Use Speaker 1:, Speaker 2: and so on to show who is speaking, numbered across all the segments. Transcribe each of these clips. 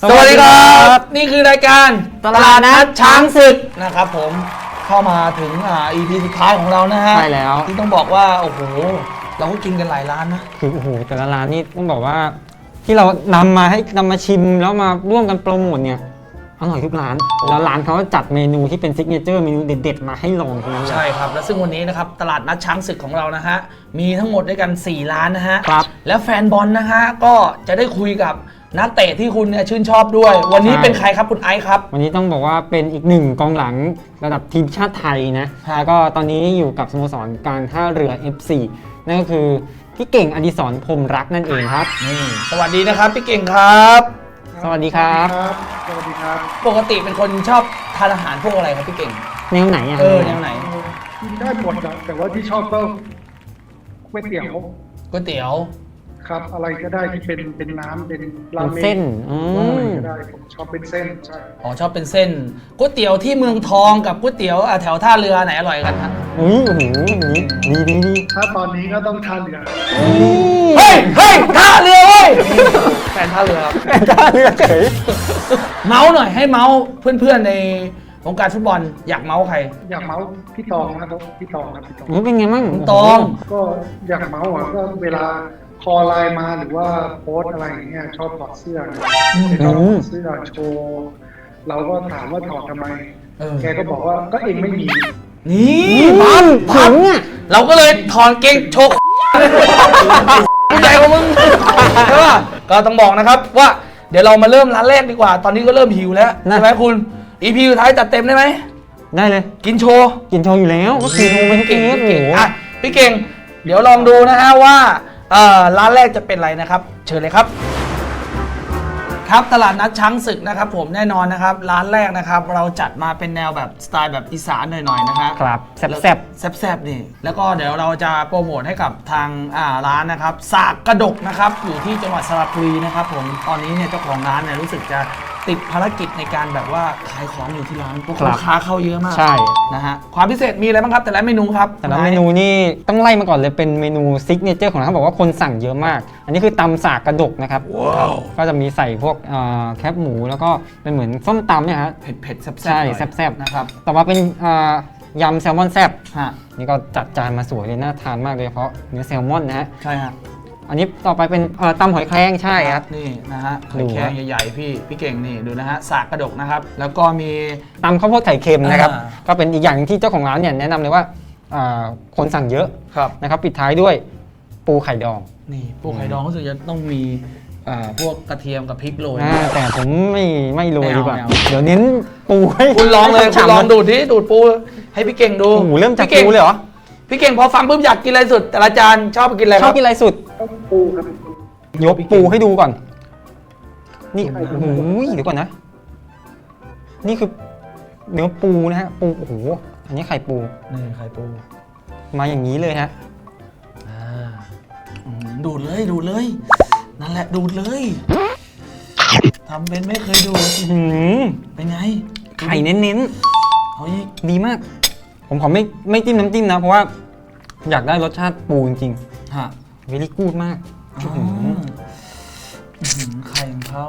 Speaker 1: สวัสดีครับนี่คือรายการ
Speaker 2: ตลาดนัดช้างศึก
Speaker 1: นะครับผมเข้ามาถึงEP สุดท้ายของเรานะฮะ
Speaker 2: ใช่แล้ว
Speaker 1: ที่ต้องบอกว่าโอ้โหเราก็กินกันหลายร้านนะ
Speaker 2: คือโอ้โหแต่ละร้านนี่ต้องบอกว่าที่เรานำมาชิมแล้วมาร่วมกันโปรโมทเนี่ยอร่อยทุกร้านแล้วร้านเขาจัดเมนูที่เป็นซิกเนเจอร์เมนูเด็ดๆมาให้ลองทั้งนั้นเลย
Speaker 1: ใช่ครับและซึ่งวันนี้นะครับตลาดนัดช้างศึกของเรานะฮะมีทั้งหมดด้วยกัน4ร้านนะฮะ
Speaker 2: ครับ
Speaker 1: และแฟนบอลนะฮะก็จะได้คุยกับนักเตะที่คุณเนี่ยชื่นชอบด้วย วันนี้เป็นใครครับคุณไอซ์ครับ
Speaker 2: วันนี้ต้องบอกว่าเป็นอีกหนึ่งกองหลังระดับทีมชาติไทยนะแล้วก็ตอนนี้อยู่กับสโมสรการท่าเรือ FC นั่นก็คือพี่เก่งอดิศรพรหมรักนั่นเองครับ
Speaker 1: นี่สวัสดีนะครับพี่เก่งครับ
Speaker 2: สวัสดีครับ
Speaker 3: สวัสดีครับ
Speaker 1: ปกติเป็นคนชอบทานอาหารพวกอะไรครับพี่เก่ง
Speaker 2: แนวไหนอ่ะ
Speaker 1: แนวไหน
Speaker 3: กินได้หมดนะแต่ว่าที่ชอบก็ก๋วยเตี๋ยวครับอะไรก็ได้ที่เป็นน้ำเป็นราเมง
Speaker 2: เส้น
Speaker 3: อะไรก็ได้ผมชอบเป็นเส้นใช่
Speaker 1: อ๋อชอบเป็นเส้นก๋วยเตี๋ยวที่เมืองทองกับก๋วยเตี๋ยวแถวท่าเรือไหนอร่อยกันฮะ
Speaker 2: โอ้โหดี
Speaker 3: ถ้าตอนนี้ก็ต้องท่าเรือ
Speaker 1: เฮ้ยท่าเรือเว้ยแฟนท่าเรือ
Speaker 2: เฉย
Speaker 1: เมาส์หน่อยให้เมาส์เพื่อนๆในวงการฟุตบอลอยากเมาส์ใคร
Speaker 3: อยากเมาส์พี่ตองนะครับพี่ตอง
Speaker 2: เป็นไงมั่ง
Speaker 1: ตอง
Speaker 3: ก็อยากเมาส์ก็เวลาคอไลน์มาหรือว่าโพสอะไรอย่างเงี้ยชอบถอดเสื้อชอบถอดเสื้อโชว์เราก็ถามว่าถอดทำไมแกก็บอกว่าก็เองไม่มี
Speaker 1: นี่ปั๊มเนี่ยเราก็เลยถอดเกงโชว์ผู้ใหญ่ของมึงใช่ป่ะก็ต้องบอกนะครับว่าเดี๋ยวเรามาเริ่มร้านแรกดีกว่าตอนนี้ก็เริ่มหิวแล้วใช่ไหมคุณ EP สุดท้ายจัดเต็มได้ไหม
Speaker 2: ได้เลย
Speaker 1: กินโชว์
Speaker 2: อยู่แล้วก็คือโชว์เป็นเก่ง
Speaker 1: พี่เก่งเดี๋ยวลองดูนะฮะว่าร้านแรกจะเป็นอะไรนะครับเชิญเลยครับครับตลาดนัดช้างศึกนะครับผมแน่นอนนะครับร้านแรกนะครับเราจัดมาเป็นแนวแบบสไตล์แบบอีสานหน่อยๆนะฮะ
Speaker 2: ครับแซ่บ
Speaker 1: นี่แล้วก็เดี๋ยวเราจะโปรโมทให้กับทางร้านนะครับสากกระดกนะครับอยู่ที่จังหวัดสระบุรีนะครับผมตอนนี้เนี่ยเจ้าของร้านเนี่ยรู้สึกจะติดภารกิจในการแบบว่าขายของอยู่ที่ร้านพวกลูกค้าเข้าเยอะมาก
Speaker 2: ใช่
Speaker 1: นะฮะความพิเศษมีอะไรบ้างครับแต่ละเมนูครับ
Speaker 2: แต่ละเมนูนี่ต้องไล่มาก่อนเลยเป็นเมนูซิกเนเจอร์ของร้านเขาบอกว่าคนสั่งเยอะมากอันนี้คือตำสากกระดกนะครับก็จะมีใส่พวกแคบหมูแล้วก็เป็นเหมือนส้มตำเนี่ยฮะ
Speaker 1: เผ็ดแซ่บ
Speaker 2: ใช่แซ่บ
Speaker 1: นะครับ
Speaker 2: ต่อมาเป็นยำแซลมอนแซ่บนี่ก็จัดจานมาสวยเลยน่าทานมากเลยเพราะเนื้อแซลมอนนะฮะ
Speaker 1: ใช่ฮะ
Speaker 2: อันนี้ต่อไปเป็นตำหอยแครงใช่ครับ
Speaker 1: นี่นะฮะหอยแครงใหญ่ๆพี่เก่งนี่ดูนะฮะสากกระดกนะครับแล้วก็มี
Speaker 2: ตำข้าวโพดไข่เค็มนะครับก็เป็นอีกอย่างที่เจ้าของร้านเนี่ยแนะนำเลยว่าคนสั่งเยอะนะครับปิดท้ายด้วยปูไข่ดอง
Speaker 1: นี่ปูไข่ดองรู้สึกจะต้องมีพวกกระเทียมกับพริกโรย
Speaker 2: แต่ผมไม่โรยดีกว่าเดี๋ยวเน้นปูให้
Speaker 1: คุณลองเลยคุณลองดูปูให้พี่เก่งดู
Speaker 2: เริ่มจากปูเลยเหรอ
Speaker 1: พี่เก่งพอฟังปุ๊บอยากกินอะไรสุดแต่ละจานชอบกินอะไรครับ
Speaker 2: ชอบกินอะไรสุด
Speaker 3: ปูครับ
Speaker 2: ยกปูให้ดูก่อนนี่โอ้โหเดี๋ยวก่อนนะนี่คือเนื้อปูนะฮะปูโอ้โหอันนี้ไข่ปู
Speaker 1: นี่ไข่ปู
Speaker 2: มาอย่างนี้เลยฮะ
Speaker 1: ดูดเลยนั่นแหละดูดเลยทำเป็นไม่เคยดูเป็นไง
Speaker 2: ไข่เน้น
Speaker 1: ๆเอา
Speaker 2: ดีมากผมขอไม่จิ้มน้ำจิ้มนะเพราะว่าอยากได้รสชาติปูจริง
Speaker 1: ๆฮะ
Speaker 2: เวลี่กูดมาก
Speaker 1: ไข่ของเขา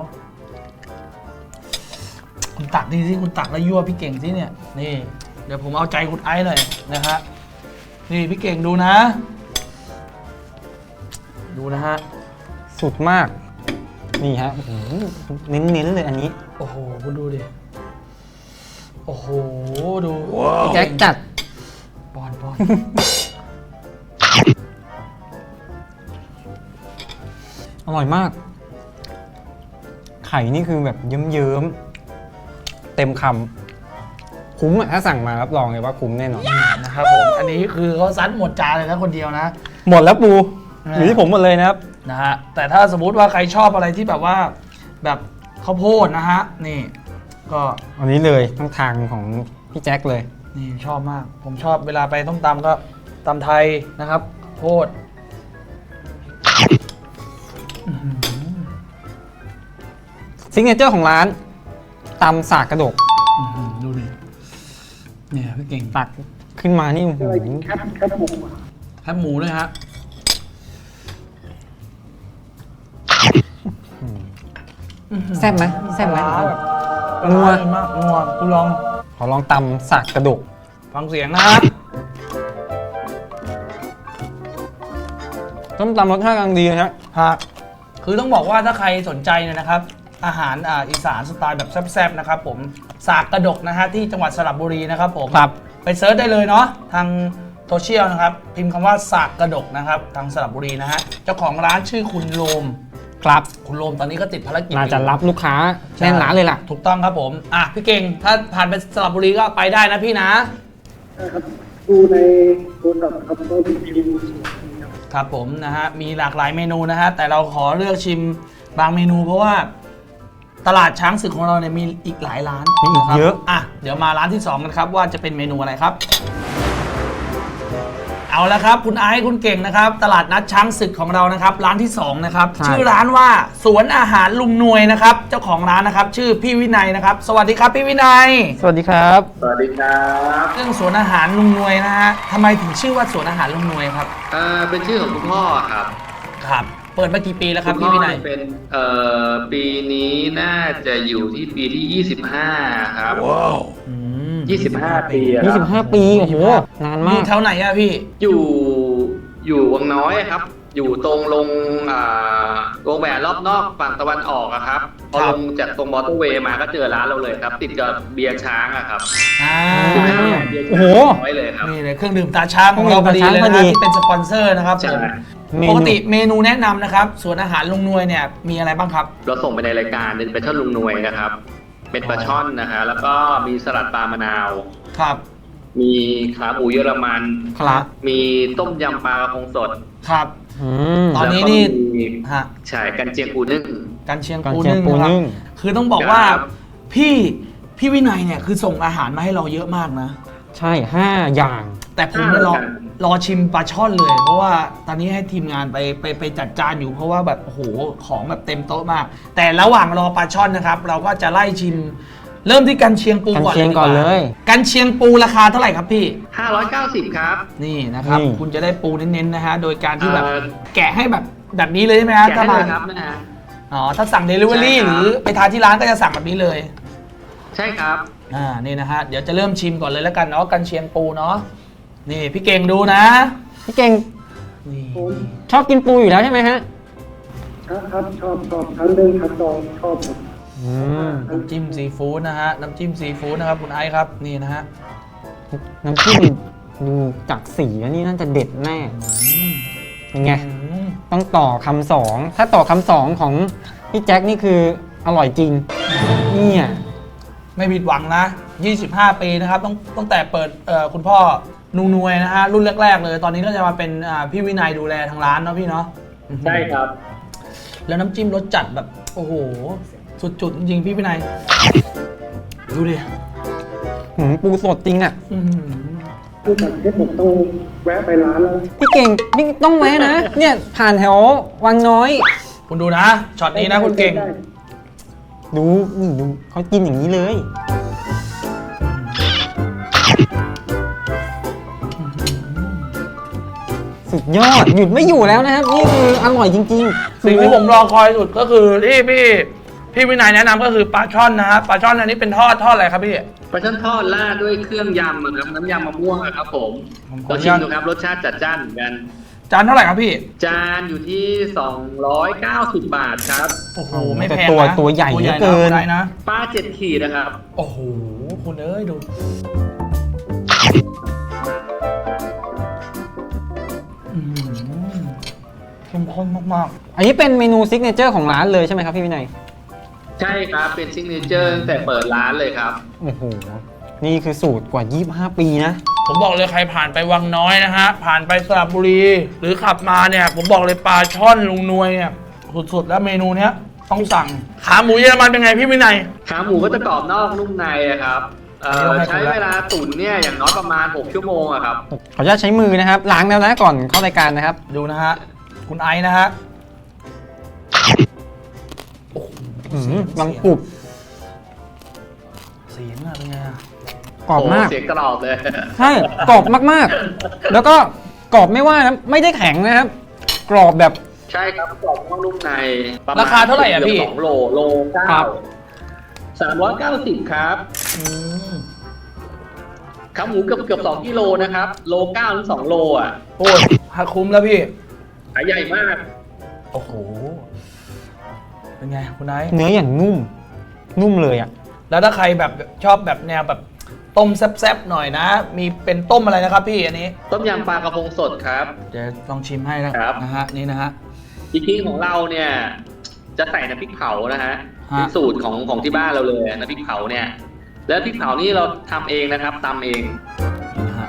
Speaker 1: คุณตักดีสิคุณตักแล้วยั่วพี่เก่งสิเนี่ยนี่เดี๋ยวผมเอาใจคุณไอซ์หน่อยนะฮะนี่พี่เก่งดูนะฮะ
Speaker 2: สุดมากนี่ฮะเน้นเลยอันนี้
Speaker 1: โอ้โหคุณดูดิโอ้โหดู
Speaker 2: แจ็คจัด
Speaker 1: บอล
Speaker 2: อร่อยมากไข่นี่คือแบบเยิ้มๆเต็มคำคุ้มถ้าสั่งมารับรองเลยว่าคุ้มแน่นอน
Speaker 1: นะครับผมอันนี้คือเขาซัดหมดจานเลยนะคนเดียวนะ
Speaker 2: หมดแล้วปูอยู่ที่ผมหมดเลยนะครับ
Speaker 1: นะฮะแต่ถ้าสมมุติว่าใครชอบอะไรที่แบบว่าแบบข้าวโพดนะฮะนี่ก็
Speaker 2: อันนี้เลยทั้งทางของพี่แจ็คเลย
Speaker 1: นี่ชอบมากผมชอบเวลาไปต้มตำก็ตำไทยนะครับโพด
Speaker 2: ซิกเนเจอร์ของร้านตำสากกระดก
Speaker 1: ดูดิเนี่ยพี่เก่ง
Speaker 2: ตักขึ้นมานี่
Speaker 3: แคบหมู
Speaker 1: ด้วยฮะ
Speaker 2: แซ่บไหมแซ่บไหม
Speaker 1: นัวมากนัวกูลอง
Speaker 2: ขอลองตำสากกระดูก
Speaker 1: ฟังเสียงนะฮะ
Speaker 2: ต้มตำรสชาติกำลังดีนะฮะ
Speaker 1: ฮะคือต้องบอกว่าถ้าใครสนใจเนี่ยนะครับ อาหารอีสานสไตล์แบบแซ่บๆนะครับผมสากกระดกนะฮะที่จังหวัดสระบุรีนะครับผม
Speaker 2: ครับ
Speaker 1: ไปเซิร์ชได้เลยเนาะทางโซเชียลนะครับพิมพ์คำว่าสากกระดกนะครับทางสระบุรีนะฮะเจ้าของร้านชื่อคุณโรม
Speaker 2: ครับ
Speaker 1: คุณโรมตอนนี้ก็ติดภารกิจ
Speaker 2: น่าจะ
Speaker 1: อยู่
Speaker 2: รับลูกค้าแน่นร้านเลยล่ะ
Speaker 1: ถูกต้องครับผมพี่เก่งถ้าผ่านไปสระบุรีก็ไปได้นะพี่นะ
Speaker 3: นะครับดูในโทรศัพท์ครับก็มีพิมพ์
Speaker 1: ครับผมนะฮะมีหลากหลายเมนูนะฮะแต่เราขอเลือกชิมบางเมนูเพราะว่าตลาดช้างศึกของเราเนี่ยมีอีกหลายร้าน
Speaker 2: มีอีก
Speaker 1: ครับ
Speaker 2: เยอะ
Speaker 1: เดี๋ยวมาร้านที่ 2 กันครับว่าจะเป็นเมนูอะไรครับ เอาละครับคุณไอซ์คุณเก่งนะครับตลาดนัดช้างศึกของเรานะครับร้านที่2นะครับชื่อร้านว่าสวนอาหารลุงนวยนะครับเจ้าของร้านนะครับชื่อพี่วินัยนะครับสวัสดีครับพี่วินัย
Speaker 2: สวัสดีครับ
Speaker 4: สวัสดีครับ
Speaker 1: เรื่องสวนอาหารลุงนวยนะฮะทำไมถึงชื่อว่าสวนอาหารลุงนวยครับ
Speaker 4: เป็นชื่อของคุณพ่อครับ
Speaker 1: ครับเปิดมากี่ปีแล้วครับ
Speaker 4: ณ
Speaker 1: พี่
Speaker 4: พ่อ
Speaker 1: วินัย
Speaker 4: เป็นปีนี้น่าจะอยู่ที่ปีที่ 25 ครับ
Speaker 1: อืม
Speaker 4: 25 ปีอะครับ
Speaker 2: 25 ปี โอ้โห นาน
Speaker 1: อ
Speaker 2: มา
Speaker 1: ยู่
Speaker 2: ก
Speaker 1: แถวไหนอะพี่
Speaker 4: อยู่วังน้อยครับ อยู่ตรงลงวงแหวนรอบนอกฝั่งตะวันออกอะครับ พอ
Speaker 1: ครั
Speaker 4: ล
Speaker 1: บ
Speaker 4: งจากตรงมอเตอร์เวย์มาก็เจอร้านเราเลยครับ ติดกับเบียร์ช้างอะครับ
Speaker 1: อ่า
Speaker 4: เบียร์
Speaker 2: โอ้
Speaker 4: ช้าง
Speaker 2: โห
Speaker 4: น้อยเลยครับ
Speaker 1: นี่เลยเครื่องดื่มตาช้างของเราพอดีเลย
Speaker 2: เครื่
Speaker 1: นะ
Speaker 2: องดื่มตาช้างพอดี
Speaker 1: ที่เป็นสปอนเซอร์นะครับ
Speaker 4: ใช่
Speaker 1: ผมปกติเมนูแนะนำนะครับสวนอาหารลุงนวยเนี่ยมีอะไรบ้างครับ
Speaker 4: เราส่งไปในรายการเป็นปลาช่อนลุงนวยนะครับ เป็นปลาช่อนนะฮะแล้วก็มีสลัดปลามะนาว
Speaker 1: ครับ
Speaker 4: มีขาหมูเยอรมัน
Speaker 1: ครับ
Speaker 4: มีต้มยำปลากระพงสด
Speaker 1: ครับ
Speaker 2: อืม
Speaker 1: ตอนนี้นี่
Speaker 4: แล้วก็มี
Speaker 1: ฮะ
Speaker 4: ใช่กันเจียงปูนึ่ง
Speaker 1: กันเชียง
Speaker 2: กัน
Speaker 1: ปู
Speaker 2: เชียง
Speaker 1: นึ่ง
Speaker 2: ปู
Speaker 1: นะครับ
Speaker 2: นึ่ง
Speaker 1: คือต้องบอกว่า
Speaker 4: ครับ
Speaker 1: พี่วินัยเนี่ยคือส่งอาหารมาให้เราเยอะมากนะ
Speaker 2: ใช่ 5 อย่าง
Speaker 1: แต่ผมเนี่ยรอชิมปลาช่อนเลย เพราะว่าตอนนี้ให้ทีมงานไปจัดจานอยู่เพราะว่าแบบโอ้โหของแบบเต็มโต๊ะมาก แต่ระหว่างรอปลาช่อนนะครับ เราก็จะไล่ชิม เริ่มที่กันเชียงปู
Speaker 2: กัน
Speaker 1: ก่อน
Speaker 2: เชียง
Speaker 1: ดีว่า
Speaker 2: ก่อนเลย
Speaker 1: กันเชียงปูราคาเท่าไหร่ครับพี่
Speaker 4: 590 ครับ
Speaker 1: นี่นะครับ
Speaker 2: นี่
Speaker 1: คุณจะได้ปูเน้นๆนะฮะโดยการที่แบบ
Speaker 4: เอ่อ
Speaker 1: แกะให้แบบนี้เลยใช่ไหมฮะ
Speaker 4: แกะ
Speaker 1: ถ้า
Speaker 4: ให้
Speaker 1: มา
Speaker 4: เลยครับนะฮะ
Speaker 1: อ๋อถ้าสั่ง Delivery
Speaker 4: ใช่ครับ
Speaker 1: หรือไปทานที่ร้านก็จะสั่งแบบนี้เลย
Speaker 4: ใช่ครับ
Speaker 1: นี่นะฮะเดี๋ยวจะเริ่มชิมก่อนเลยแล้วกันเนาะกันเชียงปูเนาะนี่พี่เก่งดูนะ
Speaker 2: พี่เก่ง
Speaker 1: นี่
Speaker 2: ชอบกินปูอยู่แล้วใช่ไหมฮะ
Speaker 3: ครับชอบทั้งเรื่องทั้งดองชอบหมด
Speaker 2: อืม
Speaker 1: น้ำจิ้มซีฟู้ดนะฮะน้ำจิ้มซีฟู้ดนะครับคุณไอซ์ครับนี่นะฮะ
Speaker 2: น้ำจิ้มดูจากสีแล้วนี่น่าจะเด็ดแน่
Speaker 1: อืม
Speaker 2: เป็นไง
Speaker 1: อืม
Speaker 2: ต้องต่อคำสองถ้าต่อคำสองของพี่แจ็คนี่คืออร่อยจริง เนี่ย
Speaker 1: ไม่ผิดหวังนะ 25 ปีนะครับตั้งแต่เปิดคุณพ่อนูนวยนะฮะรุ่นแรกๆเลย ตอนนี้ก็จะมาเป็นพี่วินัยดูแลทางร้านเนาะพี่เนาะ
Speaker 4: ใช่ครับ
Speaker 1: แล้วน้ำจิ้มรสจัดแบบโอ้โหสุดจุดจริงๆพี่วินัยดูดิ
Speaker 2: ปูสดจริงอ่ะ
Speaker 1: อื้อหือ
Speaker 3: ผู้จัดให้ผมต้องแวะไปร้านแล้ว
Speaker 2: พี่เก่งนี่ต้องแวะนะ เนี่ยผ่านแถววังน้อย
Speaker 1: คุณดูนะช็อตนี้นะคุณเก่ง
Speaker 3: ได้
Speaker 2: ดูนี่ดูเขากินอย่างนี้เลย สุดยอด หยุดไม่อยู่แล้วนะครับ นี่คืออร่อยจริงๆ
Speaker 1: สิ่งที่ผมรอคอยสุดก็คือที่พี่วินัยแนะนำก็คือปลาช่อนนะฮะปลาช่อนอันนี้เป็นทอดอะไรครับพี่
Speaker 4: ปลาช่อนทอดราดด้วยเครื่องยำอะครับน้ำยำมะม่วงอะครับผม
Speaker 1: ผมขอ
Speaker 4: เรา
Speaker 1: อนุ
Speaker 4: ชิ
Speaker 1: ญาม ต
Speaker 4: ดูครับรสชาติจัดจ้านเหมือนกัน
Speaker 1: จานเท่าไหร่ครับพี่
Speaker 4: จานอยู่ที่ 290 บาทครับ
Speaker 1: โอ้โห
Speaker 2: โอ้โห
Speaker 1: ไม่แพง
Speaker 2: แต่
Speaker 1: นะ
Speaker 2: ตัวใหญ่
Speaker 1: ตัว
Speaker 2: เหลือเกิน
Speaker 1: ได้นะ
Speaker 4: ปลา7 ขีดนะครับ
Speaker 1: โอ้โหคุณเอ้ยดูอื้อหือเข้มข้นมาก
Speaker 2: อันนี้เป็นเมนูซิกเนเจอร์ของร้านเลยใช่ไหมครับพี่วินัย
Speaker 4: ใช่ครับ เป็นซิกเนเจอร์ตั้งแต่เปิดร้านเลยครับ
Speaker 2: โอ้โห นี่คือสูตรกว่า 25 ปีนะ
Speaker 1: ๆผมบอกเลยใครผ่านไปวังน้อยนะฮะผ่านไปสระบุรี หรือขับมาเนี่ย ผมบอกเลยปลาช่อนลุงนวยเนี่ยสุดๆแล้วเมนูเนี้ยต้องสั่งขาหมูเยอรมันเป็นไงพี่วินัย
Speaker 4: ขาหมูก็จะกรอบนอกนุ่มในอะครับ ใช้เวลาตุ๋นเนี่ยอย่างน้อยประมาณ 6 ชั่วโมงอะครับ
Speaker 2: ขออนุญาตใช้มือนะครับ ล้างแล้วนะก่อนเข้ารายการนะครับ
Speaker 1: ดูนะฮะคุณไอซ์นะฮะ
Speaker 2: ลังกรุบ
Speaker 1: เสียงอะเป็นไงอะ
Speaker 2: กรอบมาก
Speaker 4: โเสียงกรอบเลย
Speaker 2: ใช่ กรอบมากๆ แล้วก็กรอบไม่ว่านะ ไม่ได้แข็งนะครับ กรอบแบบ
Speaker 4: ใช่ครับกรอบนอกนุ่มในประมณ
Speaker 1: ราคาเท่าไหร่อ่ะพี่
Speaker 4: เกือบ2 โลเก้า390ครับ
Speaker 1: อืม
Speaker 4: ขาหมูเกือบ2 กิโลนะครับโล9 ถึง 2 โลอ่ะ
Speaker 1: โอ้ยหักคุ้มแล้วพี่
Speaker 4: ขายใหญ่มาก
Speaker 1: โอ้โห เป็นไงคุณไนท์
Speaker 2: เนื้ออย่างนุ่มเลยอ่ะ
Speaker 1: แล้วถ้าใครแบบชอบแบบแนวแบบต้มแซ่บๆหน่อยนะ มีเป็นต้มอะไรนะครับพี่อันนี้
Speaker 4: ต้มยำปลากระพงสดครับ
Speaker 1: เดี๋ยวลองชิมให้นะครับ นะฮะนี่นะฮะ
Speaker 4: พริกของเราเนี่ยจะใส่น้ำพริกเผานะฮะ
Speaker 1: ฮะ
Speaker 4: เป็นสูตรของที่บ้านเราเลยน้ำพริกเผาเนี่ย แล้วพริกเผานี่เราทำเองนะครับตำเอง
Speaker 1: นี่นะฮะ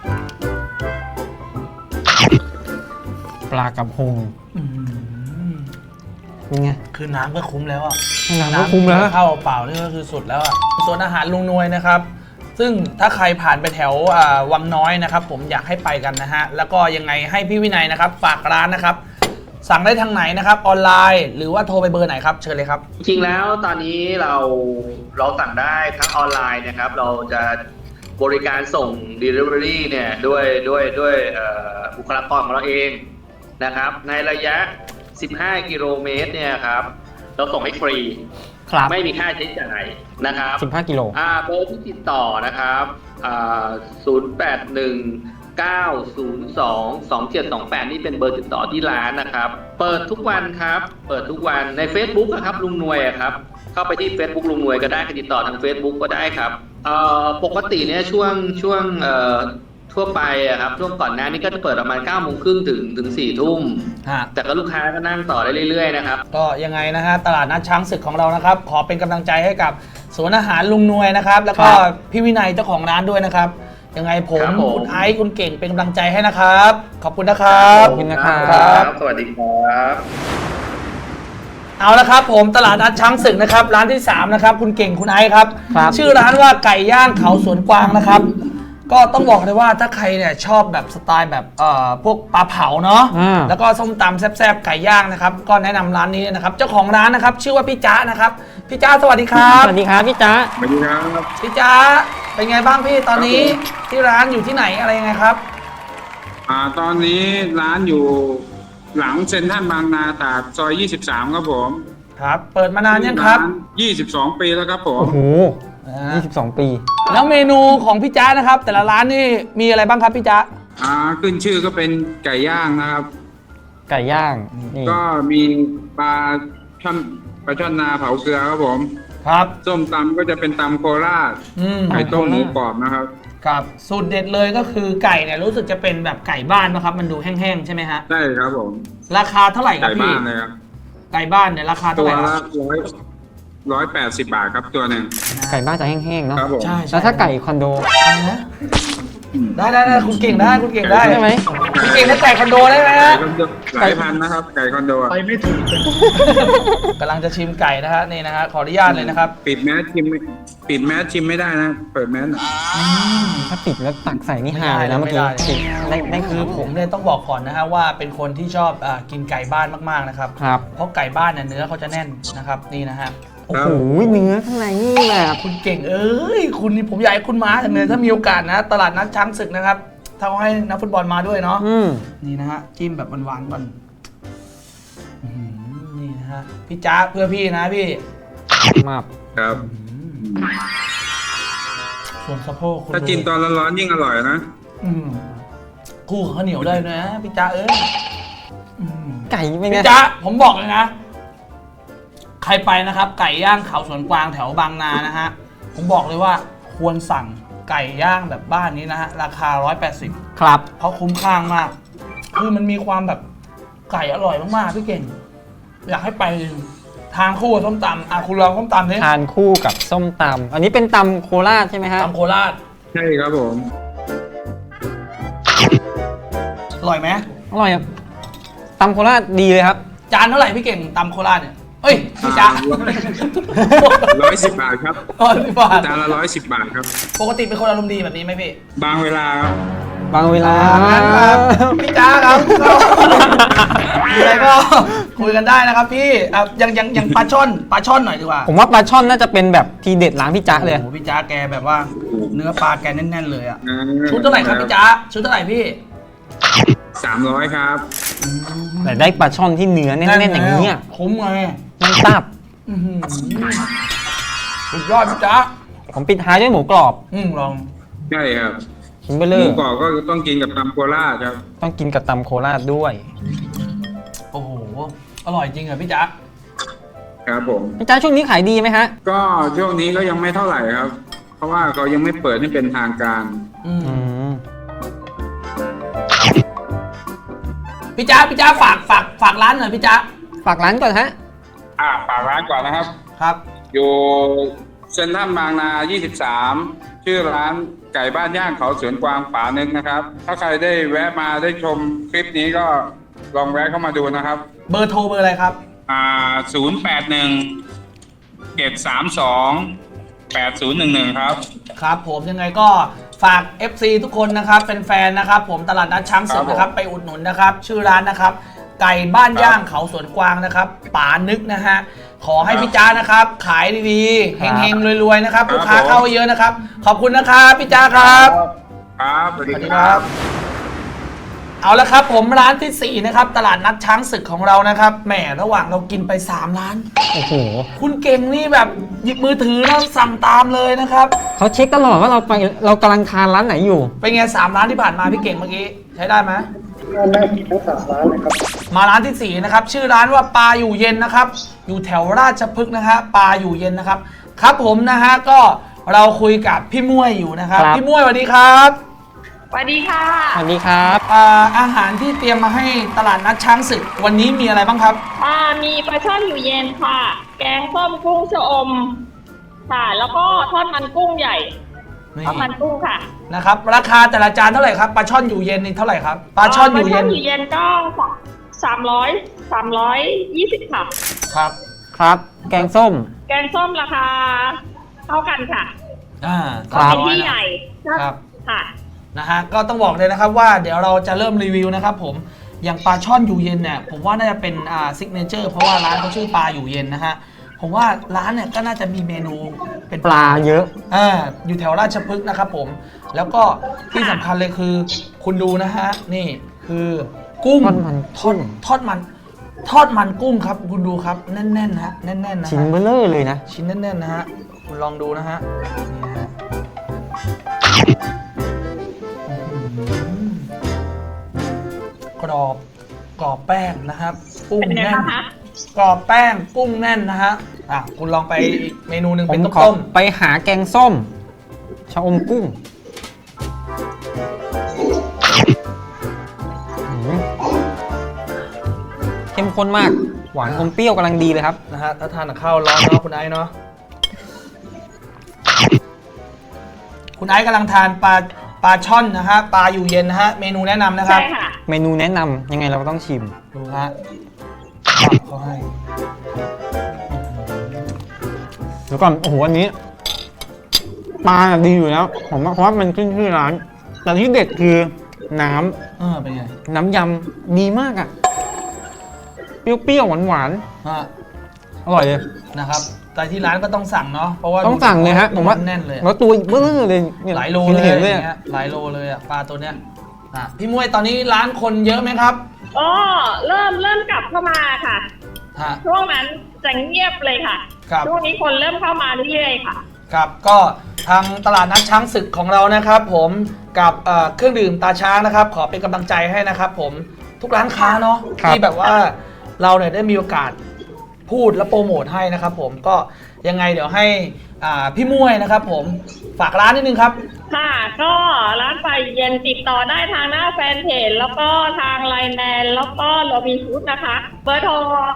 Speaker 2: ปลากระพง
Speaker 1: อืม
Speaker 2: เป็นไง
Speaker 1: คือน้ำก็คุ้มแล้วอ่ะ
Speaker 2: น้ำก็คุ้มแล้ว
Speaker 1: ข้าวเปล่านี่ก็คือสุดแล้วอ่ะส่วนอาหารลุงนวยนะครับ ซึ่งถ้าใครผ่านไปแถววังน้อยนะครับ ผมอยากให้ไปกันนะฮะ แล้วก็ยังไงให้พี่วินัยนะครับ ฝากร้านนะครับ สั่งได้ทางไหนนะครับออนไลน์ หรือว่าโทรไปเบอร์ไหนครับเชิญเลยครับ
Speaker 4: จริงๆแล้วตอนนี้เราสั่งได้ทั้งออนไลน์นะครับ เราจะบริการส่ง Delivery เนี่ยด้วยบุคลากรของเราเองนะครับ ในระยะ 15 กิโลเมตรเนี่ยครับเราส่งให้ฟรี
Speaker 2: ครับ
Speaker 4: ไม่มีค่าใช้จ่ายนะครับ
Speaker 2: 15 กิโล
Speaker 4: เบอร์ที่ติดต่อนะครับ081-902-2728 นี่เป็นเบอร์ติดต่อที่ร้านนะครับ เปิดทุกวันครับ เปิดทุกวันใน Facebook อะครับลุงหน่วยอะครับ เข้าไปที่ Facebook ลุงหน่วยก็ได้ติดต่อทาง Facebook ก็ได้ครับปกติเนี่ยช่วงทั่วไปอะครับช่วงก่อนหน้านี้ก็จะเปิดประมาณ 9:30 ถึง 4 ทุ่ม
Speaker 1: ฮะ
Speaker 4: แต่ก็ลูกค้าก็นั่งต่อได้เรื่อยๆนะครับ
Speaker 1: ก็ยังไงนะฮะตลาดนัดช้างศึกของเรานะครับ ขอเป็นกำลังใจให้กับสวนอาหารลุงนวยนะครับ แล้วก็
Speaker 2: ครับ
Speaker 1: พี่วินัยเจ้าของร้านด้วยนะครับ ยังไงผม
Speaker 4: ครับผม
Speaker 1: คุณไอซ์คุณเก่งเป็นกำลังใจให้นะครับ ขอบคุณนะครับ
Speaker 2: ขอบคุณนะครับ
Speaker 1: ครับ
Speaker 4: สวัสดีครับ
Speaker 1: เอาละครับผมตลาดนัดช้างศึกนะครับ ร้านที่ 3 นะครับ คุณเก่งคุณไอซ์ครับ
Speaker 2: ครับ
Speaker 1: ชื่อร้านว่าไก่ย่างเขาสวนกวางนะครับ ก็ต้องบอกเลยว่าถ้าใครเนี่ยชอบแบบสไตล์แบบพวกปลาเผาเนาะ
Speaker 2: อ่า
Speaker 1: แล้วก็ส้มตำแซ่บๆไก่ย่างนะครับ ก็แนะนำร้านนี้นะครับ เจ้าของร้านนะครับ ชื่อว่าพี่จ๊ะนะครับพี่จ๊ะสวัสดีครับ
Speaker 2: สวัสดีครับพี่จ๊ะ
Speaker 3: สวัสดีครับ
Speaker 1: พี่จ๊ะเป็นไงบ้างพี่ตอนนี้ที่ร้านอยู่ที่ไหนอะไรยังไงครับ
Speaker 3: ตอนนี้ร้านอยู่หลังเซ็นทรัลบางนาตราดซอย 23 ครับผม
Speaker 1: ครับ เปิดมานานยังครับ
Speaker 3: าน22 ปีแล้วครับผม
Speaker 2: โอ้โห
Speaker 1: อ่า
Speaker 2: 22 ปี
Speaker 1: แล้วเมนูของพี่จ๊ะนะครับ แต่ละร้านนี่มีอะไรบ้างครับพี่จ๊ะ
Speaker 3: ขึ้นชื่อก็เป็นไก่ย่างนะครับ
Speaker 2: ไก่ย่าง นี่
Speaker 3: ก็มีปลาช่อนนาเผาเกลือครับผม
Speaker 1: ครับ
Speaker 3: ส้มตำก็จะเป็นตำโคราช
Speaker 1: อืม
Speaker 3: ไก่ต้มหมูกรอบนะครับ
Speaker 1: ครับสูตรเด็ดเลยก็คือไก่เนี่ยรู้สึกจะเป็นแบบไก่บ้านนะครับ มันดูแห้งๆใช่ไหมฮะ
Speaker 3: ใช่ครับผม
Speaker 1: ราคาเท่าไหร่ครับ
Speaker 3: ไก่
Speaker 1: พี่
Speaker 3: บ้านเลยครับ
Speaker 1: ไก่บ้านเนี่ยราคา
Speaker 3: ตั
Speaker 1: เท่าว ไหร่ค
Speaker 3: ละ
Speaker 1: รับ
Speaker 3: 180 บาทครับตัวหนึ่ง
Speaker 2: ไก่บ้านจะแห้งๆเนาะ
Speaker 3: ครับผม
Speaker 1: ใช่
Speaker 2: แล้วถ้าไก่คอนโด
Speaker 1: อะไรนะได้คุณเก่งได้คุณเก่งได้
Speaker 2: ใช่ไหม
Speaker 1: คุณเก่งถ้าไก่คอนโดได้ไหม
Speaker 3: ไก่
Speaker 1: ฮะ
Speaker 3: คอนโดหลายพันนะครับ ไก่คอนโดอะ
Speaker 1: กำลังจะชิมไก่นะฮะนี่นะฮะขออนุญาตเลยนะครับ
Speaker 3: ปิดแมสชิมไม่ได้นะ เปิดแมสหน่อย
Speaker 2: ถ้าปิดแล้วตักใส่นี่หายนะเมื่อกี้ ได้
Speaker 1: คื
Speaker 2: คือ อ
Speaker 1: ผมเนี่ยต้องบอกก่อนนะฮะว่าเป็นคนที่ชอบกินไก่บ้านมากๆนะครับ
Speaker 2: ครับ
Speaker 1: เพราะไก่บ้านเนี่ยเนื้อเขาจะแน่นนะครับนี่นะฮะ
Speaker 2: โอ้โห เนื้อข้างในนี่แบบ
Speaker 1: คุณเก่งเอ้ยคุณนี่ผมอยากให้คุณมาจังเลยถ้ามีโอกาสนะตลาดนัดช้างศึกนะครับถ้าเขาให้นักฟุตบอลมาด้วยเนาะ
Speaker 2: อืม
Speaker 1: นี่นะฮะจิ้มแบบหวานๆก่อนอื้อหือนี่นะฮะพี่จ๊ะเพื่อพี่นะพี่
Speaker 2: มาก
Speaker 3: ครับ
Speaker 1: ส่วนสะโพกคุณ
Speaker 3: ถ้ากินตอนร้อนๆยิ่งอร่อยนะ
Speaker 1: อืมคู่กับข้าวเหนียวได้นะพี่จ๊ะเอ้ยอืม
Speaker 2: ไก่เป็นไง
Speaker 1: พี่จ๊ะผมบอกเลยนะ ใครไปนะครับ ไก่ย่างเขาสวนกวางแถวบางนานะฮะผมบอกเลยว่าควรสั่งไก่ย่างแบบบ้านนี้นะฮะราคา180
Speaker 2: ครับ
Speaker 1: เพราะคุ้มค่ามาก คือมันมีความแบบไก่อร่อยมากๆพี่เก่ง อยากให้ไปทางคู่กับส้มตำคุณลองส้มตำนี่
Speaker 2: ทานคู่กับส้มตำอันนี้เป็นตำโคราชใช่ไหมฮะ
Speaker 1: ตำโคราช
Speaker 3: ใช่ครับผม
Speaker 1: อร่อยไหม
Speaker 2: อร่อยครับตำโคราชดีเลยครับ
Speaker 1: จานเท่าไหร่พี่เก่งตำโคราชเนี่ยเอ้ยพี่จ๊ะ
Speaker 3: 110 บาทครับ
Speaker 1: 110 บาท
Speaker 3: จานละ110 บาทครับ
Speaker 1: ปกติเป็นคนอารมณ์ดีแบบนี้ไหมพี่
Speaker 3: บางเวลาครับ
Speaker 2: บางเวลา
Speaker 1: งั้นครับพี่จ๊ะครับก็มีอะไรก็คุยกันได้นะครับพี่ยังปลาช่อนหน่อยดีกว่า
Speaker 2: ผมว่าปลาช่อนน่าจะเป็นแบบทีเด็ดร้านพี่จ๊ะเลย
Speaker 1: โอ้โหพี่จ๊ะแกแบบว่าเนื้อปลาแกแน่นๆเลยอะ
Speaker 3: อ่า
Speaker 1: ชุดเท่าไหร่ครับพี่จ๊ะชุดเท่าไหร่พี่
Speaker 3: 300 ครับ
Speaker 2: แต่ได้ปลาช่อนที่เนื้อแน่นๆอย่างนี้อะ
Speaker 1: คุ้มไง
Speaker 2: มันตับ
Speaker 1: อื้อหือสุดยอดพี่จ๊ะ
Speaker 2: ผมปิดท้ายด้วยหมูกรอบ
Speaker 1: ลอง
Speaker 5: ใช่ครับ
Speaker 2: ชิ้นเบล
Speaker 5: ห
Speaker 2: เลอ
Speaker 5: มู
Speaker 2: ร์
Speaker 5: กรอบก็ต้องกินกับตำโคราชครับ
Speaker 2: ต้องกินกับตำโคราชด้วย
Speaker 1: โอ้โห อร่อยจริงเหรอพี่จ๊ะ
Speaker 5: ครับผม
Speaker 2: พี่จ้าช่วงนี้ขายดีไหมฮะ
Speaker 5: ก็ช่วงนี้ก็ยังไม่เท่าไหร่ครับ เพราะว่าเขายังไม่เปิดให้เป็นทางการ
Speaker 2: อืม
Speaker 1: พี่จ๊ะฝากร้านหน่อยพี่จ๊ะ
Speaker 2: ฝากร้านก่อนฮะ
Speaker 5: ฝากร้านก่อนนะครับ
Speaker 1: ครับ
Speaker 5: อยู่เซ็นทรัลบางนา 23 ชื่อร้านไก่บ้านย่างเขาสวนกวางป่านึกนะครับ ถ้าใครได้แวะมาได้ชมคลิปนี้ก็ลองแวะเข้ามาดูนะครับ
Speaker 1: เบอร์โทรเบอร์อะไรครับ
Speaker 5: 081-732-8011 ครับ
Speaker 1: ครับผมยังไงก็ฝาก FC ทุกคนนะครับเป็นแฟนนะครับผมตลาดนัดช้างศึกนะครับไปอุดหนุนนะครับชื่อร้านนะครับไก่บ้านย่างเขาสวนกวางนะครับป๋านึกนะฮะขอให้พี่จ้านะครับขายดีๆเฮงๆรวยๆนะครับลูกค้าเข้าเยอะนะครับขอบคุณนะครับพี่จ้าครับ
Speaker 5: ครับสวัส
Speaker 1: สวัส
Speaker 5: ดี
Speaker 1: ดี
Speaker 5: ค
Speaker 1: ค
Speaker 5: รั
Speaker 1: รับ บเอาละครับผมร้านที่4นะครับตลาดนัดช้างศึกของเรานะครับแหมระหว่างเรากินไป3ร้าน
Speaker 2: โอ้โห
Speaker 1: คุณเก่งนี่แบบหยิบมือถือแล้วสั่งตามเลยนะครับ
Speaker 2: เขาเช็คตลอดว่าเรากำลังทานร้านไหนอยู่
Speaker 1: เป็นไง3ร้านที่ผ่านมาพี่เก่งเมื่อกี้ใช้ได้ไหม
Speaker 3: น่ากินทั้งสามร้านเลยครับ
Speaker 1: มาร้านที่4นะครับชื่อร้านว่าปลาอยู่เย็นนะครับอยู่แถวราชพฤกษ์นะฮะปลาอยู่เย็นนะครับครับผมนะฮะก็เราคุยกับพี่ม่วยอยู่นะครับ
Speaker 2: ครับ
Speaker 1: พี่ม่วยสวัสดีครับ
Speaker 6: สวัสดีค่ะ
Speaker 2: สวัสดีครับ
Speaker 1: อาหารที่เตรียมมาให้ตลาดนัดช้างศึกวันนี้มีอะไรบ้างครับ
Speaker 6: มีปลาช่อนอยู่เย็นค่ะ แกงส้มกุ้งชะอม ค่ะ แล้วก็ทอดมันกุ้งใหญ่
Speaker 1: นี่
Speaker 6: ทอดมันกุ้งค่ะ
Speaker 1: นะครับราคาแต่ละจานเท่าไหร่ครับปลาช่อนอยู่เย็นนี่เท่าไหร่ครับปลาช่อนอยู่เย็น
Speaker 6: ปลาช่อนอยู่เย็นก็320ค่ะ
Speaker 1: ครับ
Speaker 2: ครับ แกงส้ม
Speaker 6: แกงส้มราคาเท่ากันค่ะ
Speaker 2: ครับ
Speaker 6: เป็นที่ใหญ่
Speaker 1: ครับ
Speaker 6: ค่ะ
Speaker 1: นะฮะก็ต้องบอกเลยนะครับว่าเดี๋ยวเราจะเริ่มรีวิวนะครับผมอย่างปลาช่อนอยู่เย็นเนี่ยผมว่าน่าจะเป็นซิกเนเจอร์เพราะว่าร้านเขาชื่อปลาอยู่เย็นนะฮะผมว่าร้านเนี่ยก็น่าจะมีเมนูเป็น
Speaker 2: ปลาเยอะ
Speaker 1: อยู่แถวราชพฤกษ์นะครับผมแล้วก็ที่สำคัญเลยคือ คุณดูนะฮะนี่คือกุ้ง
Speaker 2: ทอดมันกุ้ง
Speaker 1: ทอดมันกุ้งครับคุณดูครับแน่นๆนะฮะแน่นๆนะ
Speaker 2: ชิ้น
Speaker 1: ฮะ
Speaker 2: เบลเลอร์เลยนะ
Speaker 1: ชิ้นแน่นๆนะฮะคุณลองดูนะฮะนี่นะฮะกรอบแป้งนะครับกุ้ง
Speaker 6: เป็นไง
Speaker 1: แน่น
Speaker 6: บ้างคะ
Speaker 1: กรอบแป้งกุ้งแน่นนะฮะคุณลองไปอีกเมนูหนึ่ง
Speaker 2: ผ
Speaker 1: เป็
Speaker 2: ม
Speaker 1: น
Speaker 2: ขอ
Speaker 1: ต้ม
Speaker 2: ไปหาแกงส้ม ชะอมกุ้งอืมเข้มข้นมาก หวานอมเปรี้ยวกำลังดีเลยครับ
Speaker 1: ๆนะฮะถ้าทานกับข้าวร้อนเนาะคุณไอซ์เนาะคุณไอซ์กำลังทานปลาช่อนนะฮะปลาอยู่เย็นนะฮะเมนูแนะนำนะครับ
Speaker 6: ใช่ค่ะ
Speaker 2: เมนูแนะนำยังไงเราก็ต้องชิม
Speaker 1: ดูฮะปับเขาให้
Speaker 2: เดี๋ยวก่อน โอ้โห อันนี้ ปลาดีอยู่แล้วผมว่าเพราะว่ามันขึ้นชื่อร้าน แต่ที่เด็ดคือน้ำ
Speaker 1: เป็นไง
Speaker 2: น้ำยำดีมากอ่ะ เปรี้ยวๆหวาน
Speaker 1: ฮะ
Speaker 2: ๆ อร่อยเลย
Speaker 1: นะครับแต่ที่ร้านก็ต้องสั่งเนาะเพราะว่า
Speaker 2: ต้องสั่งเลยฮะ ผมว่า
Speaker 1: แน่นเลย
Speaker 2: แล้วตัวเบลอเลยนี่
Speaker 1: หลายโลเลย
Speaker 2: เห็นเลย
Speaker 1: อย่างเงี้ยหลายโลเลยอ่ะปลาตัวเนี้ยพี่มวยตอนนี้ร้านคนเยอะไหมครับ
Speaker 6: เริ่มกลับเข้ามาค่ะ
Speaker 1: ฮะ
Speaker 6: ช่วงนั้นจะเงียบเลยค่ะ
Speaker 1: ครับ
Speaker 6: ช่วงนี้คนเริ่มเข้ามาเรื่อยๆค่ะ
Speaker 1: ครับก็ทางตลาดนัดช้างศึกของเรานะครับ ผมกับเครื่องดื่มตาช้างนะครับ ขอเป็นกำลังใจให้นะครับ ผมทุกร้านค้าเนาะ
Speaker 2: ครับ
Speaker 1: ที่แบบว่าเราเนี่ยได้มีโอกาสพูดและโปรโมทให้นะครับ ผมก็ยังไงเดี๋ยวให้พี่มวยนะครับ ผมฝากร้านนิดนึงครับ
Speaker 6: ค่ะ ก็ร้านไฟเย็นติดต่อได้ทางหน้าแฟนเพจแล้วก็ทางไลน์แมนแล้วก็โรบินฟูดนะคะ เบอร์โทร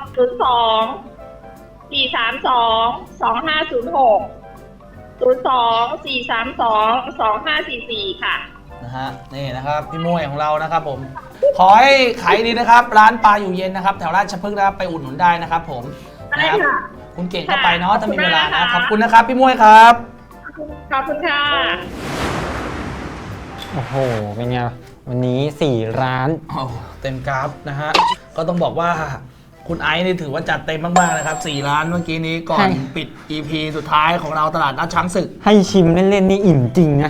Speaker 6: 02-432-2506 ค่ะ
Speaker 1: นะฮะนี่นะครับพี่มวยของเรานะครับผมขอให้ขายดีนะครับ ร้านปลาอยู่เย็นนะครับแถวราชพฤกษ์นะครับไปอุดหนุนได้นะครับ ผม
Speaker 6: ได้
Speaker 1: นะครับ
Speaker 6: ค่ะ
Speaker 1: คุณเก่งก็ไปเนาะถ้ามีเวลานะ
Speaker 6: ข
Speaker 1: ข
Speaker 6: อ
Speaker 1: อ
Speaker 6: บบ คุ
Speaker 1: คุณ
Speaker 6: ณ
Speaker 1: นะ
Speaker 6: นะ
Speaker 1: ค
Speaker 6: คะ
Speaker 1: รับพี่มวยครับ
Speaker 6: ขอบคุณค่ะ
Speaker 2: โอ้โห เป็นไง วันนี้ 4 ร้าน
Speaker 1: โอ้เต็มกราฟนะฮะก็ต้องบอกว่าคุณไอซ์นี่ถือว่าจัดเต็มมากๆนะครับ4ร้านเมื่อกี้นี้ก่อน
Speaker 2: ใช่
Speaker 1: ปิด EP สุดท้ายของเราตลาดนัดช้างศึก
Speaker 2: ให้ชิมเล่นๆนี่อิ่มจริงนะ
Speaker 1: โอ้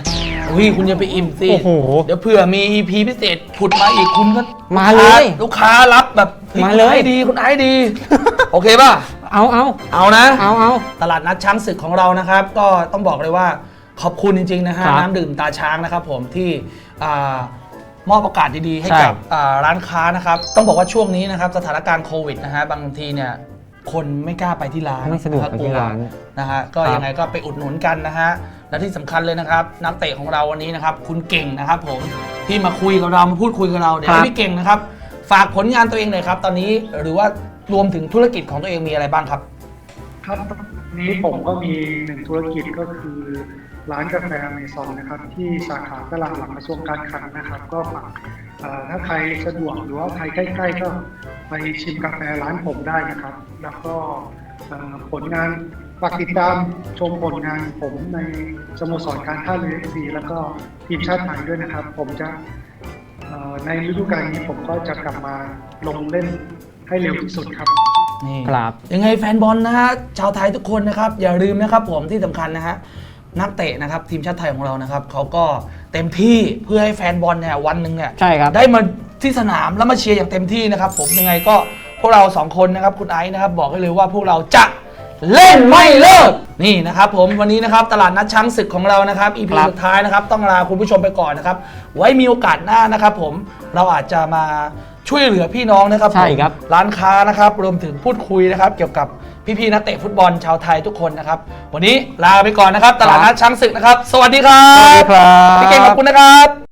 Speaker 1: อุ้ยคุณอย่าไปอิ่มสิ
Speaker 2: โอ้โห
Speaker 1: เดี๋ยวเผื่อมี EP พิเศษผุดมาอีกคุณก็
Speaker 2: มาเลย
Speaker 1: ลูกค้ารับแบบฮ้
Speaker 2: มาเลย
Speaker 1: คุณไอ้ดีคุณไอ้ดี โอเคป่ะ
Speaker 2: เอา
Speaker 1: เอานะ
Speaker 2: เอา
Speaker 1: ตลาดนัดช้างศึกของเรานะครับ ก็ต้องบอกเลยว่าขอบคุณจริงๆนะฮะ
Speaker 2: ครับ
Speaker 1: น้ำดื่มตาช้างนะครับผมที่มอบโอกาสดีๆให้
Speaker 2: ใช่
Speaker 1: กับร้านค้านะครับ ต้องบอกว่าช่วงนี้นะครับสถานการณ์โควิดนะฮะบางทีเนี่ยคนไม่กล้าไปที่ร้าน
Speaker 2: ไม่สะดวกไปที่ร้าน
Speaker 1: นะฮะก็
Speaker 2: ครับ
Speaker 1: ยังไงก็ไปอุดหนุนกันนะฮะและที่สำคัญเลยนะครับนักเตะของเราวันนี้นะครับคุณเก่งนะครับผมที่มาคุยกับเรามาพูดคุยกับเราเดี๋ยวให้พี่เก่งนะครับฝากผลงานตัวเองหน่อยครับตอนนี้หรือว่ารวมถึงธุรกิจของตัวเองมีอะไรบ้างครับ
Speaker 3: ครับตอนนี้ผมก็มีหนึ่งธุรกิจก็คือร้านกาแฟอเมซอนนะครับที่สาขาตลาดหลังกระทรวงการคลังนะครับ ก็ฝากถ้าใครสะดวกหรือว่าใครใกล้ๆก็ไปชิมกาแฟร้านผมได้นะครับ แล้วก็ผลงานฝากติดตามชมผลงานผมในสโมสรการท่าเรือ FC แล้วก็ทีมชาติไทยด้วยนะครับ ผมจะในฤดูกาลนี้ผมก็จะกลับมาลงเล่นให้เร็วที่สุดครับ
Speaker 1: นี่
Speaker 2: ครับ
Speaker 1: ยังไงแฟนบอลนะฮะชาวไทยทุกคนนะครับอย่าลืมนะครับผมที่สำคัญนะฮะนักเตะนะครับทีมชาติไทยของเรานะครับเขาก็เต็มที่เพื่อให้แฟนบอลเนี่ยวันหนึ่งเนี่ย
Speaker 2: ใช่ครับ
Speaker 1: ได้มาที่สนามแล้วมาเชียร์อย่างเต็มที่นะครับผมยังไงก็พวกเราสองคนนะครับคุณไอซ์นะครับบอกให้เลยว่าพวกเราจะเล่นไม่เลิกนี่นะครับผมวันนี้นะครับตลาดนัดช้างศึกของเรานะครับ EP
Speaker 2: ครับ
Speaker 1: สุดท้ายนะครับต้องลาคุณผู้ชมไปก่อนนะครับไว้มีโอกาสหน้านะครับผมเราอาจจะมาช่วยเหลือพี่น้องนะครับผม
Speaker 2: ใช่ครับ
Speaker 1: ร้านค้านะครับรวมถึงพูดคุยนะครับเกี่ยวกับพี่ๆนักเตะฟุตบอลชาวไทยทุกคนนะครับวันนี้ลาไปก่อนนะครับตลาดนัดช้างศึกนะครับสวัสดีครั
Speaker 2: สวัสดี
Speaker 1: บ
Speaker 2: ครับ
Speaker 1: พี่เก่งขอบคุณนะครับ